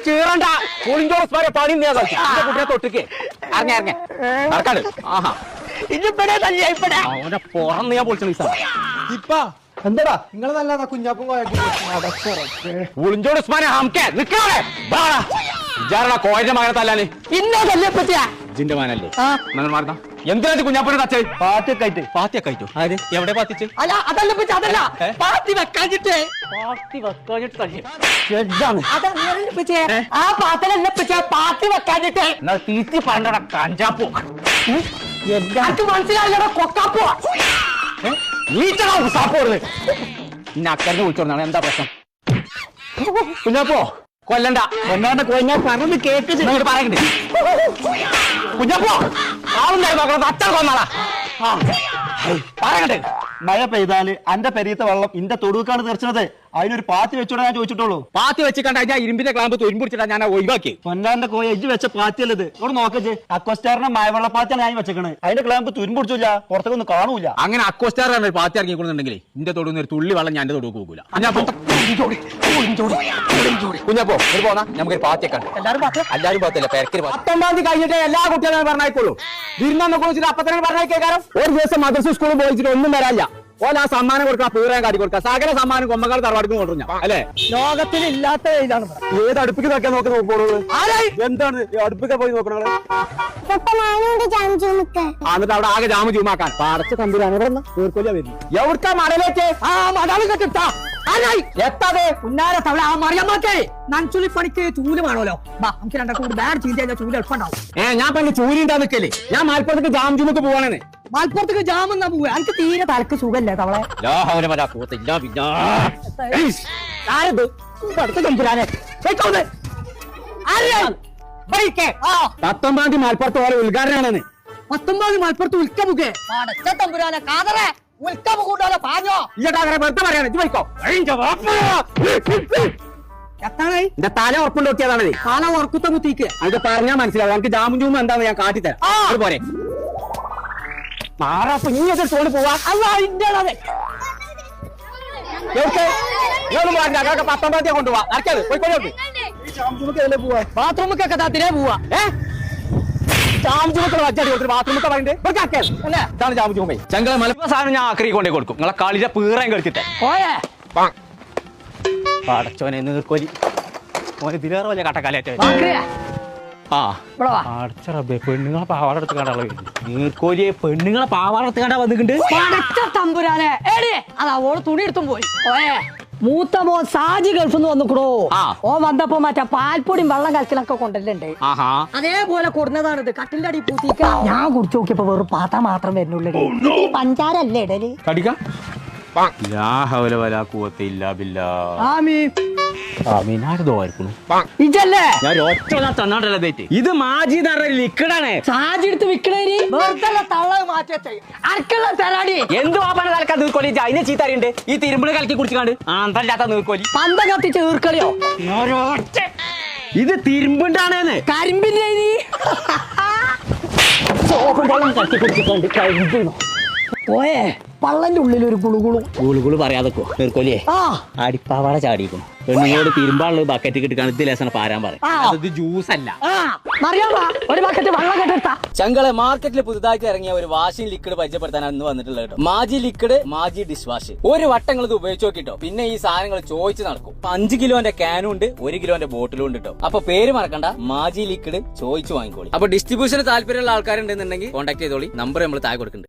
ചീറണ്ട പുളിഞ്ചോസ് വരെ പണി കുട്ടിയെ തൊട്ടിക്ക് ഇറങ്ങി ഇറങ്ങി നടക്കാട് ആഹാ അവനെ പുറന്ന് ഞാൻ പൊളിച്ചു ഇപ്പാ എന്താടാ നിങ്ങൾ നല്ലതാ കുഞ്ഞാപ്പും പുളിഞ്ചോട് ഉസ്മാനെ ഹംകെ നിൽക്കാതെ വിചാരണ കോയന്റെ മകനെ തല്ലാന് ഇന്നോ തല്ലിയെ പറ്റിയാ ജിന്റെ മാനല്ലേ മാറുന്ന എന്തിനാ കുഞ്ഞാപ്പനെ തച്ചേ പാത്തിയൊക്കെ ആയിട്ടോ ആര് എവിടെ പാത്തിച്ച് അല്ല അതല്ല പറ്റി അതല്ല പാത്തി വെക്കാഞ്ഞിട്ട് ആ പാത്തലല്ല പറ്റിയ പാത്തി വെക്കാഞ്ഞിട്ട് തീറ്റി പണ്ടട കഞ്ചാപ്പോ എനിക്ക് മനസ്സിലായില്ലടോ കൊക്കാപ്പോ ഇന്നെ അക്കറിന് വിളിച്ചോണ്ടാണ് എന്താ പ്രശ്നം കുഞ്ഞാപ്പോ കൊല്ലണ്ട കൊല്ലാണ്ട് കൊഞ്ഞാൽ പറഞ്ഞത് കേക്ക് പറയണ്ടേ കുഞ്ഞാപ്പോ ആളുണ്ടായി നോക്കണം അച്ഛൻ കൊന്നാളാ പറയണ്ടേ മഴ പെയ്താല് അന്റെ പെരീത്തെ വെള്ളം ഇന്റെ തൊടുക്കാണ് തീർച്ചത് അതിനൊരു പാത്തി വെച്ചോടെ ഞാൻ ചോദിച്ചിട്ടുള്ളൂ. പാത്തി വെച്ച് കണ്ട ഞാൻ ഇരുമ്പിന്റെ ക്ലാമ്പ് തൊരുമ്പിടിച്ചിട്ടാ ഞാൻ ഒഴിവാക്കി. പൊന്നാന്റെ കോയ എജ്ജ് വെച്ച പാത്തിയല്ലത് ഇവിടെ നോക്കച്ച് അക്വസ്റ്റാറിന്റെ മഴവെള്ളപ്പാത്തിയാണ് ഞാൻ വെച്ചേക്കണേ. അതിന്റെ ക്ലാമ്പ് തുരുമ്പിടിച്ചില്ല പുറത്തേക്ക് ഒന്നും കാണൂല. അങ്ങനെ അക്വസ്റ്റാറാണ് പാത്തി ഇറങ്ങിക്കൊള്ളുന്നുണ്ടെങ്കിൽ ഇന്റെ തൊടുന്ന ഒരു തുള്ളി വെള്ളം ഞാൻ എന്റെ തൊടുക്ക് പോകൂല. കുഞ്ഞപ്പോ പോന്നാ നമുക്കൊരു പാത്തിയൊക്കെ എല്ലാരും പാത്തില്ല പെരക്കര് 19 തീയതി കഴിഞ്ഞിട്ട് എല്ലാ കുട്ടികളും പറഞ്ഞായിക്കോളൂ. വിരുന്നൊക്കെ കുറിച്ചിട്ട് അപ്പത്തന്നെ പറഞ്ഞേക്കാരം. ഒരു ദിവസം മദ്രസ സ്കൂളിൽ പോയിച്ചിട്ട് ഒന്നും വരാല്ല. ഓല ആ സമ്മാനം കൊടുക്കാം പൂരം കാട്ടി കൊടുക്കാം. സകല സമ്മാനം കൊമ്മക്കാട് തറവാടിക്ക് കൊണ്ടുവരും ഞാൻ അല്ലെ. ലോകത്തിൽ ഇല്ലാത്ത ഇതാണ് ഏത് അടുപ്പിക്ക് നോക്കാൻ നോക്കോളൂ. എന്താണ് അടുപ്പിക്ക പോയി നോക്കണത്? എന്നിട്ട് അവിടെ ആകെ ജാമു ചൂമാക്കാൻ പാടച്ച തമ്പുരാണ് തീർക്കൊല്ല വരുന്നു. എവിടുത്തെ മടലേക്ക് ആ മടാളി കെട്ടിട്ടാ എത്താതെ ഉന്നാര തവള ആ മറിയമ്മക്കേ നൻചുലി പണിക്ക് ചൂല് വേണമല്ലോ. നമുക്ക് രണ്ടൊക്കെ കൂടി ബാഡ് ചെയ്ത് കഴിഞ്ഞാൽ ചൂല് എളുപ്പണ്ടാവും. ഞാൻ പറഞ്ഞ ചൂരി ഉണ്ടാ നിക്കല്ലേ. ഞാൻ മലപ്പുറത്തേക്ക് ജാം ചുമക്ക് പോവാണെന്ന്. മലപ്പുറത്തേക്ക് ജാം എന്നാ പോവുക. എനിക്ക് തീരെ തലക്ക് സുഖല്ലേ തവളെ. തമ്പുരാനെ 19 തീയതി മലപ്പുറത്ത് പോലെ ഉദ്ഘാടനമാണെന്ന്. 19 മലപ്പുറത്ത് ഉൽക്കമുഖേ തമ്പുരാനെ കാതറെ ഉൽക്കമുഖൂട്ടാലോ പാഞ്ഞോ വെറുതെ പറയാണ്. എത്താണേ എന്റെ തല ഉറപ്പുണ്ട് നോക്കിയതാണ്. കാല ഉറക്കുത്ത കുത്തിക്ക് അത് പറഞ്ഞാൽ മനസ്സിലാവും. എനിക്ക് ജാമും ചൂമ എന്താന്ന് ഞാൻ കാട്ടിത്തരാം. അതുപോലെ മാറാപ്പ നീ എത്ര തോളി പോവാ. അല്ല ഇന്ത്യയുടെ 19 തീയതി കൊണ്ടുപോവാ. നടക്കാതെ പോയിക്കോളൂ. ബാത്റൂമൊക്കെ തിരെ പോവാ. ചങ്കള മലപ്പുറം സാധനം ഞാൻ ആക്രി കൊണ്ടേ കൊടുക്കും. നിങ്ങളെ കളിയുടെ പീറാൻ കളിച്ചിട്ടെ പടച്ചോനെ നീർക്കോലി ഓനെ ഇതിലേറെ വലിയ കട്ടക്കാലേറ്റ പെണ്ണുങ്ങളെ പാവാടെടുത്ത് കണ്ടാളെ നീർക്കോലിയെ പെണ്ണുങ്ങളെ പാവാടെടുത്ത് കണ്ടാ വന്നിട്ടുണ്ട്. തമ്പുരാനെ അതാ ഓള് തുണി എടുത്തും പോയി. മൂത്ത മോൻ സാജി ഗൾഫിൽ നിന്ന് വന്നിക്കണോ. ഓ വന്നപ്പോ മറ്റേ പാൽപ്പൊടിയും വെള്ളം കലക്കലൊക്കെ കൊണ്ടല്ലേ. അതേപോലെ കൊടുന്നതാണിത്. കട്ടിലിന്റെ അടി പൂത്തിക്ക ഞാൻ കുടിച്ചു നോക്കിയപ്പോ വെറും പാത്രം മാത്രം വരുന്നുള്ളൂ. പഞ്ചാരല്ലേ ഇടല് കടിക്ക ഇത് മാജി ലിക്വിഡാണ്. സാജി എടുത്ത് വിൽക്കണേരി വെറുതെ തള്ള മാറ്റി അരക്കുള്ള തരാടി എന്ത് വാപ്പാണ് തലക്കാ നീർക്കോലി. അതിനെ ചീത്തറിയുണ്ട്. ഈ തിരുമ്പിള് കലക്കി കുടിച്ചാണ്ട് ആന്തല്ലാത്ത നീർക്കോലി പന്ത കത്തിച്ച് നീർക്കളിയോ. ഇത് തിരുമ്പുണ്ടാണ് കരിമ്പിന്റെ പോയേ പള്ളന്റെ ഉള്ളിൽ ഒരു ഗുളുകുളു പറയാതെക്കോ നീർക്കോലിയെ അടിപ്പാവാട ചാടിക്കും. പെണ്ണുങ്ങളോട് തിരുമ്പാളുള്ള ബക്കറ്റ് കിട്ടിക്കാണ് ഇത് ലേശം പാരാൻ പറയും. ജ്യൂസ് അല്ല. ഒരു ബക്കറ്റ് വെള്ളം കെട്ടിട്ടാ. ചങ്കളെ മാർക്കറ്റിൽ പുതുതായിട്ട് ഇറങ്ങിയ ഒരു വാഷിംഗ് ലിക്വിഡ് പരിചയപ്പെടുത്താനാണ് ഇന്ന് വന്നിട്ടുള്ളത് കേട്ടോ. മാജി ലിക്വിഡ് മാജി ഡിഷ് വാഷ്. ഒരു വട്ടങ്ങൾ ഇത് ഉപയോഗിച്ച് നോക്കിട്ടോ. പിന്നെ ഈ സാധനങ്ങൾ ചോദിച്ചു നടക്കും. 5 കിലോന്റെ ക്യാനും ഉണ്ട്, 1 കിലോന്റെ ബോട്ടിലും ഉണ്ട് കേട്ടോ. അപ്പൊ പേര് മറക്കണ്ട, മാജി ലിക്വിഡ് ചോദിച്ചു വാങ്ങിക്കോളി. അപ്പൊ ഡിസ്ട്രിബ്യൂഷന് താല്പര്യമുള്ള ആൾക്കാരുണ്ടെന്നുണ്ടെങ്കിൽ കോൺടാക്ട് ചെയ്തോളി. നമ്പർ നമ്മൾ താഴെ കൊടുക്കുന്നുണ്ട്.